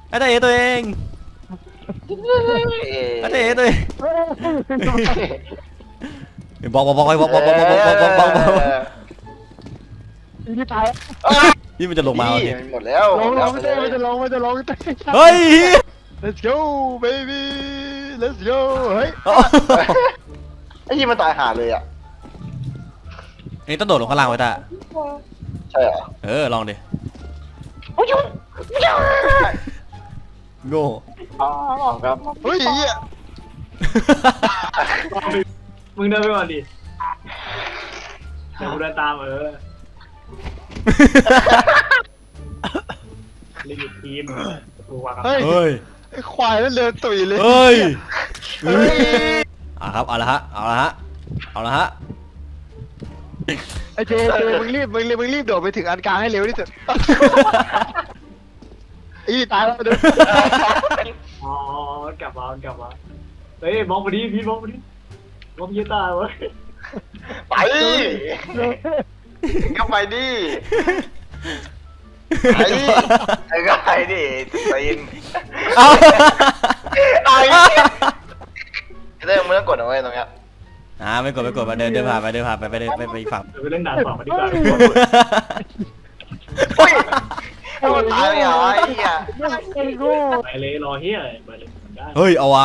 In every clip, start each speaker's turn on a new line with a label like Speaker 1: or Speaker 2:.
Speaker 1: อาจารย์เอตัวเองอาจารย์เอตัวเองบอก
Speaker 2: นี่ตาย
Speaker 1: นี่มันจะลงมาโอเค
Speaker 3: หมดแล้ว
Speaker 2: ลงมันจะลง
Speaker 1: เฮ้ย
Speaker 2: let's go baby let's go เฮ้ย
Speaker 3: ไอ้ยี่มันตายหาเลยอ่ะ
Speaker 1: นี่ต้องโดดลงข้างล่างไว้ตา
Speaker 3: ใช่เหรอ
Speaker 1: ลองดิโง่
Speaker 3: ครับ
Speaker 2: เฮ้ย
Speaker 4: มึงเดินไปก่อนดิเดี๋ยวกูเดินตามเล่นอยู่ทีมกูวางกับ
Speaker 2: เฮ้ย
Speaker 1: เฮ้ย
Speaker 2: ไอ้ควายนั่นเดินตุ๋ยเลย
Speaker 1: เฮ้ยครับเอาละฮะ
Speaker 2: ไอ้เจมึงรีบโดดไปถึงอันกลางให้เร็วที่สุดอีตายแล้วเดิน
Speaker 4: อ๋อกลับมาเฮ้ยมองไปดิพี่มองไปดิมองพี่ตาเว้ย
Speaker 3: ไปก็ไปดิไอ้ก็ไปดิตีน
Speaker 1: เอา
Speaker 3: ไอ้เรื่องมึงต้องกดเอาไว้ตรงเนี้ย
Speaker 1: ไม่กดมาเดินผ่านไปไปอีกฝั่ง
Speaker 4: เดี๋ยวไปเล่นด่านฝั่งมาดีกว่า
Speaker 3: เฮ้ยมันตายเหรอไอ้เหี้ย
Speaker 4: ไปเลยรอเฮียไปเลยได้
Speaker 1: เฮ้ยเอาวะ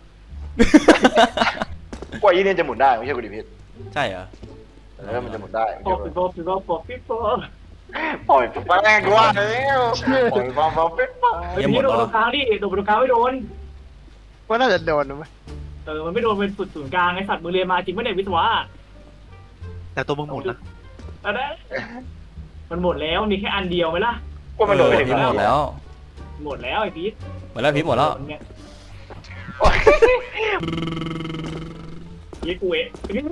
Speaker 3: กว่ายี่เนี่ยจะหมุนได้ไม่ใช่กูดิพิษ
Speaker 1: ใช่เหรอ
Speaker 3: มันจะหมุนได้
Speaker 4: ป๊อปปี้ป๊อปปี้ป๊อปปี้ป๊อป
Speaker 3: ปล่อยไปแม่งกูว่าแล้วปล่อยป๊อปปิ๊บป๊อป
Speaker 4: เฮ้ยพี่โดนตรงกลางดิโดนตรงกลางไม่โดน
Speaker 2: ว่าน่าจะโดนนะมั้ย
Speaker 4: มันไม่โดนเป็นสุดศูนย์กลางไอสัตว์มึงเรียนมาจริงไม่ได้วิศวะ
Speaker 5: แต่ตัวมึงหมุนนะ
Speaker 4: อะไรมันหมดแล้วมีแค่อันเดียวไหมล่ะ
Speaker 3: กูมันโดนไปถึง
Speaker 1: พีหมดแล้ว
Speaker 4: หมดแล้วไอ้พีท
Speaker 1: หมดแล้วพีหมดแล้ว
Speaker 4: ยี่กูเอ๋นี่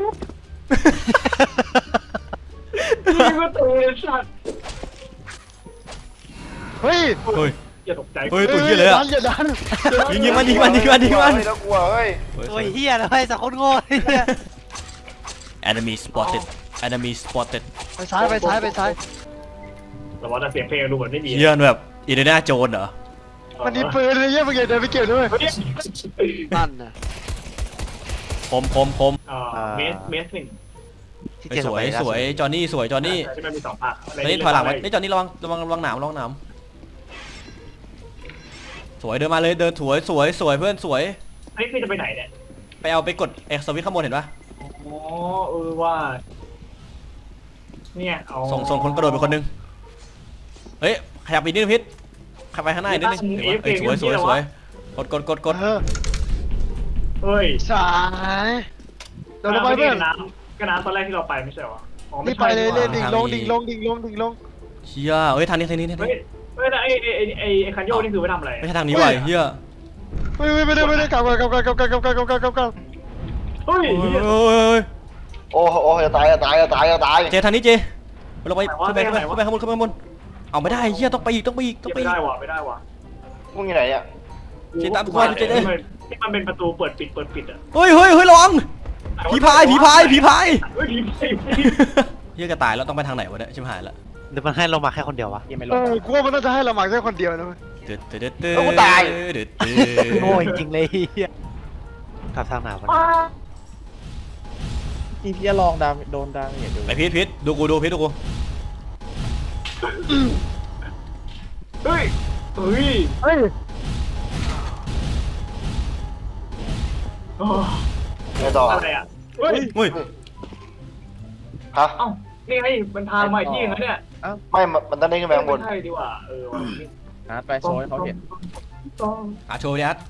Speaker 4: ก็ตัวสัตว์
Speaker 2: เฮ้ย
Speaker 1: เฮ้ย
Speaker 4: อย่าตกใจ
Speaker 1: เฮ้ยตัวเหี้ยเลยอะ
Speaker 2: อย่าดัน
Speaker 1: ยิงมัน
Speaker 3: แล้วกลัวเฮ้ย
Speaker 5: โอ้ยเฮียเลยสักคนโง่เฮีย
Speaker 1: enemy spotted
Speaker 2: ไปซ้าย
Speaker 4: แต่ว่าแต่เสียงเพลงดูเหมือนไม่มี
Speaker 1: เฮียแบบอินเดียนาโจนเหรอ
Speaker 2: มันมีปืนเลยเยี่ยมเดินไปเก็บด้วยนั่นนะ
Speaker 1: คม
Speaker 4: เมสหนึ่ง
Speaker 5: ที่
Speaker 1: ไป
Speaker 5: เจ
Speaker 1: สวยจอห์นนี่สวยจอห์นนี่
Speaker 4: ใช่ไหมมี2 ภาค
Speaker 1: ตอนนี้ถอยหลังไว้นี่จอห์นนี่ระวังหนามสวยเดินมาเลยเดินสวยเพื่อนสวย
Speaker 4: อันนี้คือจะไปไหนเนี่ย
Speaker 1: ไปกดเอ็กซ์สวิตข้างบนเห็นปะ
Speaker 4: อ๋อว่าเนี่ย
Speaker 1: ส่งคนกระโดดไปคนนึงเฮ้ยขยับอีกนิดนึงพิษขับไปข้างหน้าอีกนิดนึงสวยกด
Speaker 4: เฮ้ย
Speaker 2: สายโดนไปเพื่อน
Speaker 4: ก็น้ำตอนแรกที่เราไปไม่ใช่หรอ
Speaker 2: นี่ไปเลยดิ่งลง
Speaker 1: เฮียเฮ้ยทางนี้
Speaker 4: เฮ้ยไอ้คันโยกนี่คือไปทำอะไร
Speaker 1: ไม่ใช่ทางนี้ว่ะเฮีย
Speaker 2: ไม่ได้กลับ
Speaker 4: เฮ้ย
Speaker 3: โอ้จะตาย
Speaker 1: เจทางนี้เจลงไปขึ้นไปข้างบนเอาไม่ได้เฮียต้องไปอีก
Speaker 4: ไม่ได้ว่ะ
Speaker 3: มึงอยู่ไหนอ่ะ
Speaker 4: ที่มันเป็นประตูเปิดปิดอ่ะ
Speaker 1: เฮ้ยระวังผีพาย
Speaker 4: เฮ้ยผี
Speaker 1: เฮียกระต่ายแล้วต้องไปทางไหนวะเนี่ยชิบหายละ
Speaker 5: หรือมันให้เรามาแค่คนเดียววะ
Speaker 2: กูว่ามันน่าจะให้เราหมักแค่คนเดียวนะ
Speaker 5: โง่จริงเลยเฮียกลับทางไหนวะ
Speaker 6: พี่จะลองดามโดนดังอย่าดู
Speaker 1: ไปพิษดูกูพิษดูกู
Speaker 4: เฮ้ย
Speaker 3: ไงต่อ
Speaker 4: อะไรอ่ะเฮ้ย
Speaker 3: ฮะ
Speaker 4: เอ้านี่ไงมันทางมาที่นึงเนี่ย
Speaker 3: ไม่มันต้องได้ขึ้นไปข้างบน
Speaker 4: ใช่ดีกว่า
Speaker 6: อาร์ตไปโชว์ให้เขาเห็น
Speaker 1: โชว์ดิอัด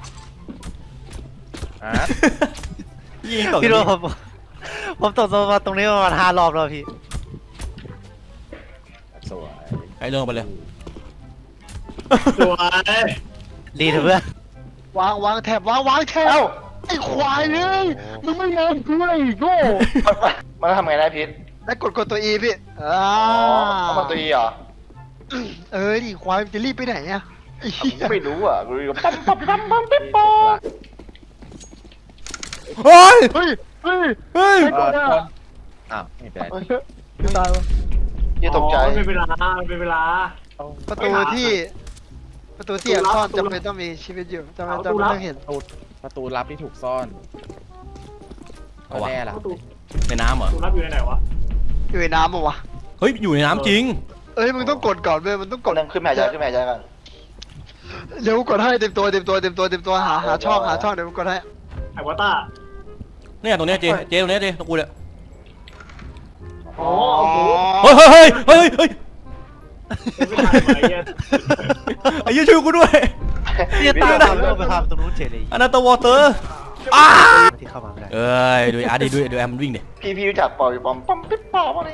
Speaker 6: อาร์ต
Speaker 1: ยิงตก
Speaker 5: พี่รู้ผมตกมาตรงนี้ประมาณ5 รอบแล้วพี่
Speaker 6: สวย
Speaker 1: ไอ้เรื่องไปเลย
Speaker 4: สวย
Speaker 5: ดีเถอะเพื่อน
Speaker 2: วางแถบไอ้ควายเลยมึงไม่ยอมกูเลยโง่
Speaker 3: มันทำไงได้พิษ
Speaker 2: แล้วกดตัว E พี่
Speaker 3: มันตัวอีเหรอ
Speaker 2: ดิควายจะรีบไปไหนอ่ะ
Speaker 3: ไม่รู้อ่ะกูรู้
Speaker 1: เฮ้ย
Speaker 2: เฮ้ย
Speaker 6: อ้าวไม่เป็นไร
Speaker 2: ตายวะ
Speaker 3: ยี่ตกใจ
Speaker 4: เป็นเวลา
Speaker 2: ประตูที่ประตูที่แอบซ่อนจำเป็นต้องมีชีวิตอยู่จำเป็นต้องเห็น
Speaker 6: ประตูลับที่ถูกซ่อน
Speaker 1: เอาวะ
Speaker 6: แน่ล่ะ
Speaker 4: ประตู
Speaker 1: ในน้ำเหรอ
Speaker 4: รับอยู่ในไหนวะ
Speaker 2: อยู่ในน้ำปะวะ
Speaker 1: เฮ้ยอยู่ในน้ำจริง
Speaker 2: เอ้ยมึงต้องกดก่อนเว้ยมันต้อง
Speaker 3: ก
Speaker 2: ก
Speaker 3: ด
Speaker 2: ด
Speaker 3: นึงขึ้นแม่ใจขึ้นแม่ใจกัน
Speaker 2: เดี๋ยวกูกดให้เต็มตัวหาช่องเดี๋ยวกูกดให้
Speaker 4: ไอ้วอต้า
Speaker 1: เนี่ยตรงเนี้ยเจตรงเนี้ยเจตรงกูเนี่ย
Speaker 4: อ๋อโอ้โห
Speaker 1: เฮ้ยเฮ้ยเฮ้ยเฮ้ย
Speaker 4: ไม่ทันไอ้เหี้ย
Speaker 1: ไอ้ยี่ช่วยกูด้วย
Speaker 5: เนี่ยตามเราไปทำตรงนู้นเฉยเลย
Speaker 1: อนาโตวอเตอร์อ้า
Speaker 5: ที่เข้ามาไม่ได้
Speaker 1: เอ้ยดูอาร์ดีดูแอมมันวิ่งดิ
Speaker 3: พี่รู้จักปอยปอมปั๊มปิ๊บปอมอะไร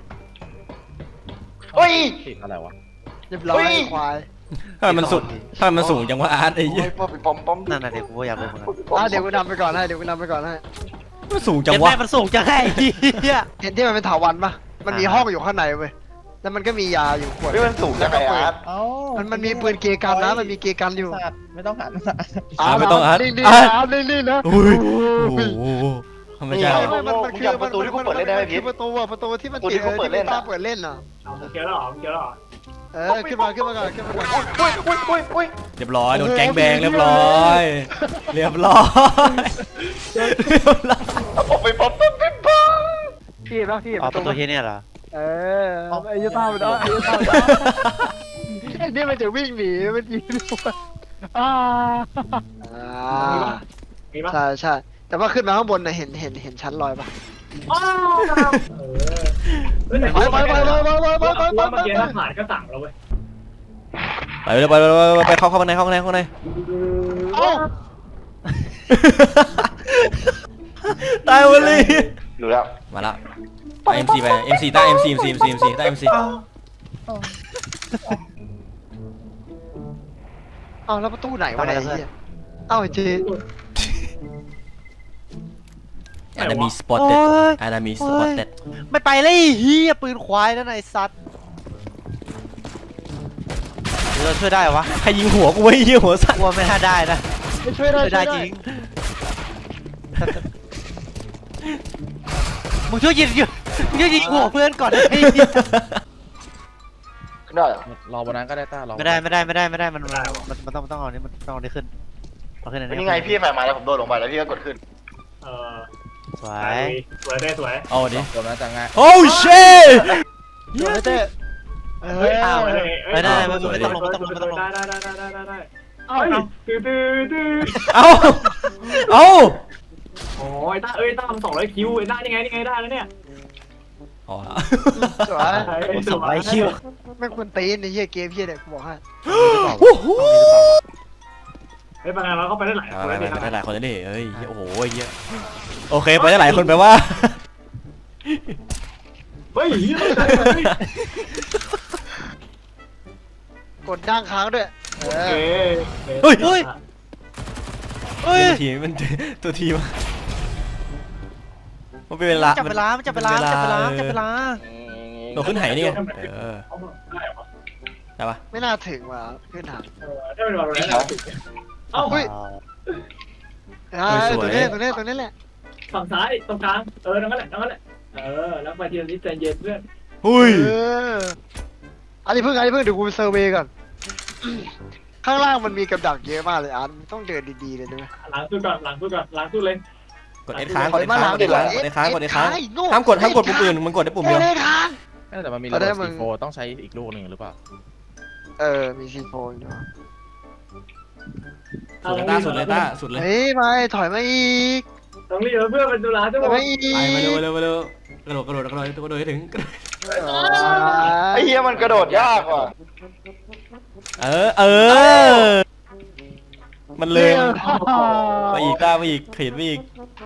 Speaker 3: เฮ้ย
Speaker 6: ติดอะไรวะ
Speaker 2: เรียบร้อยควาย
Speaker 1: ถ้ามันสูงจังวะอาร์ตไอ้ยี่
Speaker 3: ปอมปอมปั๊ม
Speaker 5: นั่นน่ะเดี๋ยวกูก็อยากรู้เหมือนกัน
Speaker 2: เดี๋ยวกูนำไปก่อนให้
Speaker 1: มันสูงจัง
Speaker 5: เจ็บ
Speaker 1: วะ
Speaker 5: แม่มันสูงจังไงเฮีย
Speaker 2: เห็นที่มันเป็นถาวันปะมันมีห้องอยู่ข้างในเว้ยแล้วมันก็มียาอยู่ขวด
Speaker 3: ไม่มันสูงจังไงอาร์ต
Speaker 6: เอ้า
Speaker 2: มันมีปืนเกกันนะมันมีเกกันอยู่
Speaker 6: สัตว์ไม่ต้องหัน
Speaker 1: ไม่ต้องอาร์ต
Speaker 2: นิ่ง
Speaker 1: อาร์ต
Speaker 2: ๆนิ่งๆนะ
Speaker 1: อุ้ยโอ้โหไม่ใช่หรอ
Speaker 2: มันคือประตูที่มันปิดเปิดเล่นอ่ะ
Speaker 4: เอาเกียร์แล้วเหรอเกียร์แล้วเหรอ
Speaker 2: ขึ้นมาก่อน
Speaker 3: อุ้ย
Speaker 1: เรียบร้อยโดนแก๊งแบงเรียบร้อยเรียบร้อย
Speaker 3: ปอมไปปอมปั๊มปิ๊บปอม
Speaker 2: พี่ป่ะพี่
Speaker 5: อ๋อประตูเฮียเนี่ยเหรอ
Speaker 2: ไอ้ยต้ามันนี่มันจะวิ่งหนีมันยิง
Speaker 4: มีปะ
Speaker 2: ใช่แต่ว่าขึ้นมาข้างบนน่ะเห็นชั้นลอยป่ะ
Speaker 4: อ้าวเฮ้ยแต่
Speaker 2: ไป
Speaker 4: เมื่อกี้ถ้าผ่านก็สั่งเราเว้ย
Speaker 1: ไปเลยไปเข้าข้างใน
Speaker 2: เอ้า
Speaker 1: ตายวันเลย
Speaker 3: รู้แล้ว
Speaker 1: มาละไป MC ไป MC ใต้ MC ใต้ MC
Speaker 2: เอ้าแล้วประตูไหนวะเนี่ยเอ้าเจ
Speaker 1: อาจจะมีสปอตเต็ดอาจจะมีสปอตเต็ด
Speaker 5: ไม่ไปเลยเฮียปืนควายนั่นไอ้สัตว์เราช่วยได้วะ
Speaker 1: ใครยิงหัวกูไว้เหี้ยหัวสั่น
Speaker 5: กลัวไม่น่าได้นะ
Speaker 2: ไม่ช่วยได้
Speaker 5: ช่วยได้จริงมึงช่วยยิงหัวเพื่อนก่อนไอ้เหี้ย
Speaker 3: ขึ้นได้เหรอ
Speaker 6: รอบนนั้นก็ได้ต้ารอ
Speaker 5: ไม่ได้มันต้องเอานี่มันต้องเอานี่ขึ้นเอาขึ้นอันนี้
Speaker 3: นี่ไงพี่แฝงมาแล้วผมโดดลงไปแล้วพี่ก็กดขึ้น
Speaker 5: สวย
Speaker 4: สวยได้สวย
Speaker 1: เอาดิ
Speaker 6: ตัวนั้นจะง่าย
Speaker 1: โอ้ชิต
Speaker 2: เต้เฮ้ย
Speaker 5: อ้าว
Speaker 4: ได้
Speaker 5: ไม่ต้องลง
Speaker 4: ได้เอ้าตื้อ
Speaker 1: เอาเอา
Speaker 4: โอ้ยต้าต้าทำ200 คิวไอ้ต้านี่ไงได้แล้วเนี่ย
Speaker 1: อ๋อ
Speaker 2: สวย
Speaker 5: ส่งไอ้คิว
Speaker 2: แม่งคนตีนในเฮียเกมเฮียเนี่ยกูบอกให้
Speaker 1: โอ้โห
Speaker 4: เฮ้ยบางงานเราเข้าไปได้หลายคน
Speaker 1: ไป
Speaker 4: เลย
Speaker 1: ได้หลายคนเลยดิเฮ้ยโอ้โหเยอะโอเคไปได้หลายคนแปลว่า
Speaker 4: เฮ้ย
Speaker 2: กดดั้งค้างด้วย
Speaker 1: ทีมันตัวทีมันเป็นเวลา
Speaker 5: จับเวลา
Speaker 1: ตัวขึ้นไหนี่ไงได้ปะ
Speaker 2: ไม่น่าถึงว่ะขึ้นหาง
Speaker 4: ได้เป็นวันแล้วเอ้า
Speaker 2: ตรงนี้แหละ
Speaker 4: ฝั่งซ้ายตรงกลางนั่นแหละแล้วไปทีละนิดใจเย็นเพื่อน
Speaker 1: หุ้ย
Speaker 2: อันนี้เพิ่งเดี๋ยวกูไปเซอร์เวย์ก่อนข้างล่างมันมีกับดักเยอะมากเลยอาร์ตต้องเดินดีๆเลยนะ
Speaker 4: หลังสู้เลย
Speaker 1: กดเอ็ดค้างกดเอ็ดค้างห้ามกดปุ่มอื่นมันกดได้ปุ่มเดียว
Speaker 6: แต่มันมีระเบิดซีโฟต้องใช้อีกลูกหนึ่งหรือเปล่า
Speaker 2: มีซีโฟนอยู่
Speaker 1: สุดเลยต้าสุดเลย
Speaker 2: เฮ้ยไม่ถอยมาอีก
Speaker 4: ต้องรีบเพื่อนเป็นตุลาทุก
Speaker 2: ถอย
Speaker 4: ค
Speaker 2: มาน อีก
Speaker 1: ไปมาเร็วกระโดดให้ถึง
Speaker 3: ไอ้เหี้ยมันกระโดดยากว่ะ
Speaker 1: มันเลยมาอีกต้ามาอีกเขียนมาอีก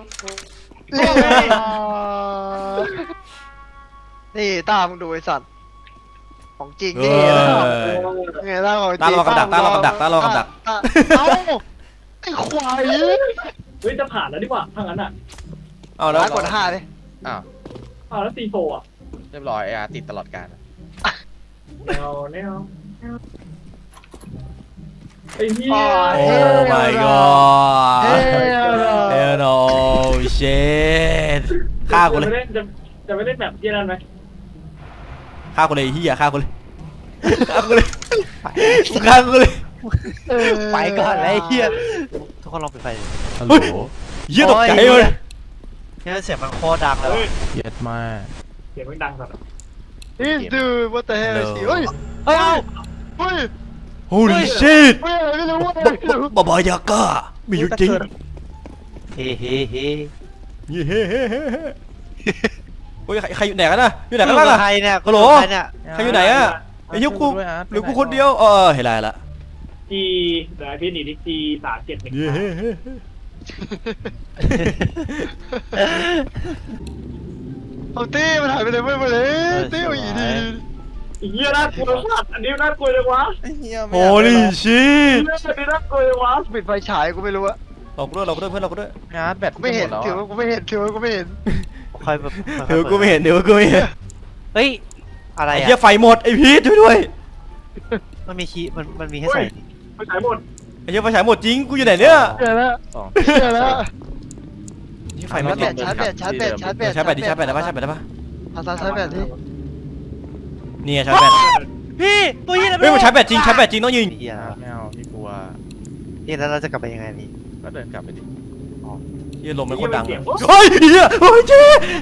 Speaker 2: นี่ตามึงดูไอ้สัตว์ของจริงนี่ไงตาของจริง
Speaker 1: ต้ารอกับดัก
Speaker 2: เอ้าไอ้ควาย
Speaker 4: เฮ้ยจะผ่านแล้วดีกว่าถ้างั้นอ่ะ
Speaker 1: เอาแล้ว
Speaker 2: กด5ดิ
Speaker 6: อ้าว
Speaker 4: แล้วซีโฟอ่ะ
Speaker 6: เรียบร้อยติดตลอดการ
Speaker 4: แนวไอ้เหี้ย
Speaker 1: โอ้ my god hell no shit ฆ่ากูเลย
Speaker 4: จะไม่เล่นแบบเยี่ยนั่นไหม
Speaker 1: ฆ่ากูเลยเฮียฆ่ากูเลยฆ่ากูเลย
Speaker 5: ไปก่อนเลยไอ้เฮียทุกคนลองปิดไฟดิ
Speaker 6: ฮัลโหล
Speaker 1: เหี้ยตกใจเลย
Speaker 5: เนี่ยเสียงมันโคตรดังเลย
Speaker 4: เฮ้ย
Speaker 6: เย็ดมาก
Speaker 4: เสียงมันดังสัตว์
Speaker 2: This dude what the hell is he เฮ้ย
Speaker 5: เฮ้ย
Speaker 2: เฮ้ย
Speaker 1: Holy shit
Speaker 2: เฮ้ยอะไรไม่รู้อะไรไม่รู้
Speaker 1: บาบายาก้ามีอยู่จริง
Speaker 5: เฮ้เฮ้เฮ้
Speaker 1: เฮ้เฮ้เฮ้เฮ้โอ้ยใครอยู่ไหนกันนะอยู่ไหนกันบ้างอะ
Speaker 5: ใครเนี่ย
Speaker 1: ฮัลโหล
Speaker 5: ใครเนี่ย
Speaker 1: ใครอยู่ไหนอะไอ้เหี้ยกู
Speaker 6: ด้วยอาร์ต
Speaker 1: หรือกูคนเดียวเห็นไรละ
Speaker 4: ทีเดี๋ยวพี่หนีดิที3715
Speaker 1: เฮ้เฮ้เฮ้
Speaker 2: เอาตี้มันหายไปเลยไม่ไปเลยตี้เอาอีดี
Speaker 4: ไอ้เหี้ยน่ากลัวสัตว์อันนี้น่ากลัวเลยวะ
Speaker 6: ไอ้เหี้ยไม่
Speaker 1: โอ้ลิชิ
Speaker 4: เรื่องอันนี้น่ากลัวเลยวะ
Speaker 2: ปิดไฟฉายกูไม่รู้อะ
Speaker 1: เรากูด้วยเพื่อนเรากูด้วย
Speaker 6: อาร์ตแบต
Speaker 2: กูไม่เห็น
Speaker 6: แล้ว
Speaker 2: ถือว่ากูไม่เห็นถือว่ากูไม่เห็น
Speaker 5: คอยแบบ
Speaker 1: เดี๋ยวกูไม่เห็นเดี๋ยวกูไม่เห็น
Speaker 5: เฮ้ยอะไร
Speaker 1: ไอ้
Speaker 5: อ่ะ
Speaker 1: เหี้ยไฟหมดไอ้พีทช่วยด้วย
Speaker 5: มันมีคีย์มันมีให้ใส่
Speaker 4: ไปขายหมด
Speaker 1: ไอ้เหี้ยไฟฉายหมดจริงกูอยู่ไหนเนี่ย
Speaker 2: เจอแล้ว
Speaker 6: สอง
Speaker 2: เจอแล้ว
Speaker 1: นี่ไฟไม่ติด
Speaker 2: ชาร์จแบตชาร์จแบตชาร์จแบต
Speaker 1: ชาร์จแบตดิชาร์จแบตได้ปะชาร์จแบตได้ปะ
Speaker 2: อาซาชาร์จแบตที่
Speaker 1: เนี่ยชาร์จแบต
Speaker 5: พี่ตัวเฮีย
Speaker 1: เฮ้ยมันชาร์จแบตจริงชาร์จแบตจริงต้องยิง
Speaker 5: เฮีย
Speaker 6: อาร์ตไม่เอาพี่กลัว
Speaker 5: นี่แล้วเราจะกลับไปยังไงพี่
Speaker 6: ก็เดินกลับไปดิ
Speaker 1: เหี้ยลมมันโคตรดังอะเฮ้ยเหี้ยโอ้ยเจ๊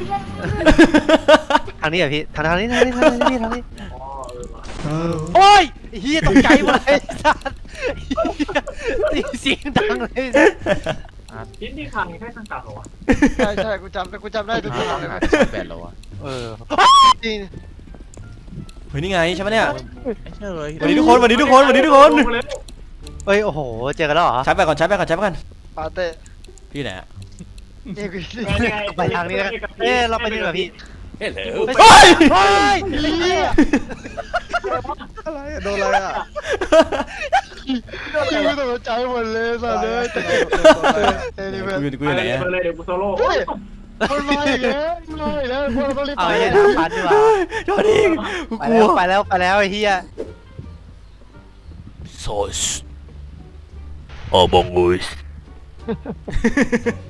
Speaker 5: ทางนี้เหรอพี่ทางนี้ทางนี้ทางนี้ทางนี้
Speaker 4: อ๋อว่ะ
Speaker 5: โอ้ยเฮียตกใจหมดเลยสัตว์เสียงดังเลย
Speaker 4: ชิ้นที่พังแค่ข้างกลางเหรอวะ
Speaker 2: ใช่ใช่กูจำได้ทุกอย่างเลย
Speaker 6: หาชาร์จแบตแล้ววะ
Speaker 5: เออ
Speaker 2: จริง
Speaker 1: เฮ้ยนี่ไงใช่ไหมเนี่ย
Speaker 6: ไอ้เชื่อเลย
Speaker 1: สวัสดีทุกคนสวัสดีทุกคนสวัสดีทุกคน
Speaker 4: ลงมาเลย
Speaker 5: เอ้ยโอ้โหเจอกันแล้วเหรอ
Speaker 1: ชาร์จแบตก่อนชาร์จแบตก่อนชาร์จแบตก่อน
Speaker 2: ปาเต้
Speaker 1: พี่ไหนอะ
Speaker 2: นี่กู
Speaker 5: ไปทางนี้นะเอ้ยเราไปนี่เหรอพี่
Speaker 1: เฮ้ย
Speaker 5: เฮ้ยเฮ้ยเฮีย
Speaker 6: อะไรอะโดนอะไรอะ
Speaker 2: กูตกใจหมดเลยสัตว์เลยนี่เพื่อน
Speaker 1: กูอยู่ไหนอะ
Speaker 4: ไปเลยเดี๋ยวกูโซโล่
Speaker 2: เฮ้ยมันมาอีกแล้วมันมาอีกแล้วพวกเราต้องรีบ
Speaker 5: เอา
Speaker 2: ไป
Speaker 5: ไอ้น้ำพันดีกว่า
Speaker 1: โทษทีกู
Speaker 5: ไป
Speaker 1: กลั
Speaker 5: แล้ว วไปแล้วไปแล้วไอ้เฮีย
Speaker 1: Sos. Among Us.